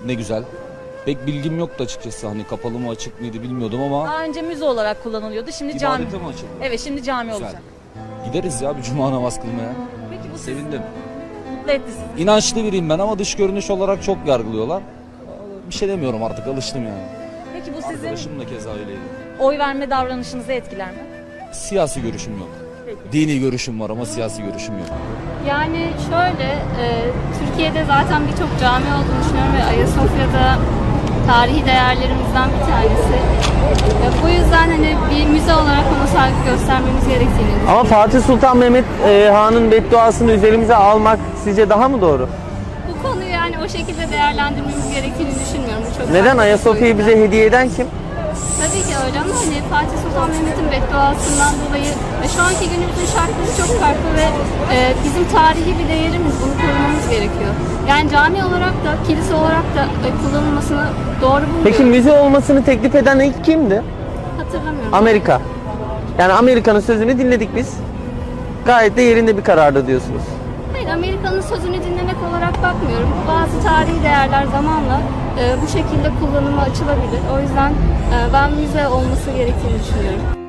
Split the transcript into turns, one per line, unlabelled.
Ne güzel. Pek bilgim yoktu açıkçası. Hani kapalı mı açık mıydı bilmiyordum ama
Daha önce müze olarak kullanılıyordu. Şimdi cami.
ibadete mi açıldı?
Evet, şimdi cami
Güzel.
olacak.
Gideriz ya bir cuma namaz kılmaya.
Peki bu sizi
Sevindim.
mutlu etti sizi.
İnançlı biriyim ben ama dış görünüş olarak çok yargılıyorlar. Bir şey demiyorum artık, alıştım yani.
Peki bu sizin
Arkadaşım da keza öyleydi.
oy verme davranışınızı etkiler mi?
Siyasi görüşüm yok.
Peki.
Dini görüşüm var ama siyasi görüşüm yok.
Yani şöyle, Türkiye'de zaten birçok cami olduğunu düşünüyorum ve Ayasofya'da tarihi değerlerimizden bir tanesi. Bu yüzden hani bir müze olarak ona saygı göstermemiz gerektiğini düşünüyorum.
Ama Fatih Sultan Mehmet Han'ın bedduasını üzerimize almak sizce daha mı doğru?
Bu konuyu yani o şekilde değerlendirmemiz gerektiğini düşünmüyorum. Bu çok
Neden?
farklı bir
Ayasofya'yı
boyut.
bize hediye eden kim?
Tabii ki öyle ama hani Fatih Sultan Mehmet'in bedduasından dolayı şu anki günümüzün şartları çok farklı ve bizim tarihi bir değerimiz. Bunu korumamız gerekiyor. Yani cami olarak da, kilise olarak da kullanılmasını doğru bulmuyorum.
Peki müze olmasını teklif eden ilk kimdi?
Hatırlamıyorum.
Amerika. Yani Amerika'nın sözünü dinledik biz. Gayet de yerinde bir karardı diyorsunuz.
Hayır, Amerika'nın sözünü dinlemek olarak bakmıyorum. Bazı tarihi değerler zamanla bu şekilde kullanıma açılabilir. O yüzden ben müze olması gerektiğini düşünüyorum.